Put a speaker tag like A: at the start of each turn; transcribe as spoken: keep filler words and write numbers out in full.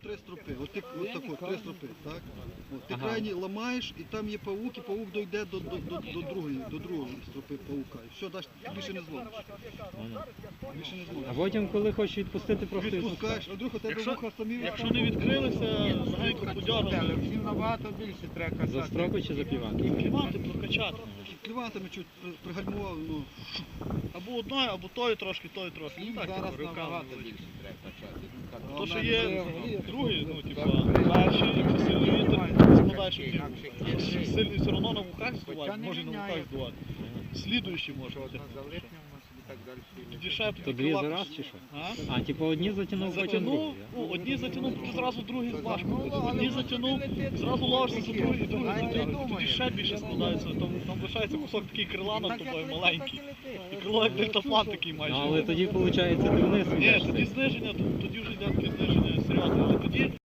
A: три стропи, от ти, от так от, три стропи, так? От, ти ага. крайні ламаєш, і там є павук, і павук дойде до, до, до, до другої, до другої стропи павука. І все, даш, більше не зломиш. Більше не зломиш.
B: А потім, коли хочеш відпустити, просто
A: відпускаєш, а вдруг у тебе
C: якщо,
A: вуха самі...
C: Якщо не відкрилися, легенько подягали.
D: Всім набагато більше треба касати.
B: За стропи чи за піванки?
C: Клівати, прокачати.
A: Клівантами чуть пригальмував, ну...
C: Або одною, або тою трошки, тою трошки.
D: Їм
C: Так,
D: зараз
C: руками
D: набагато
C: великі.
D: більше треба качати.
C: То, що є другий, ну, типа, перший, якщо сильний вітер, складаєш у тілу. Якщо сильний все одно на вухах здувати, може на вухах здувати. Слідуючий може бути. Тоді ще
B: То дві за раз чи що? А, типу одні затягнув, потім
C: Затягнув,
B: другий,
C: ну, одні затягнув, тоді зразу другий важко. Одні затягнув, зразу ловишся за другий, другий затягнув. Тоді ще більше складається. Там, там лишається кусок такий крила над тобою маленький. І крило як дельтаплан такий майже.
B: Ну, але тоді, виходить, ти вниз
C: Ні,
B: йдеш.
C: тоді зниження, тоді вже йде таке зниження серйозне. Але тоді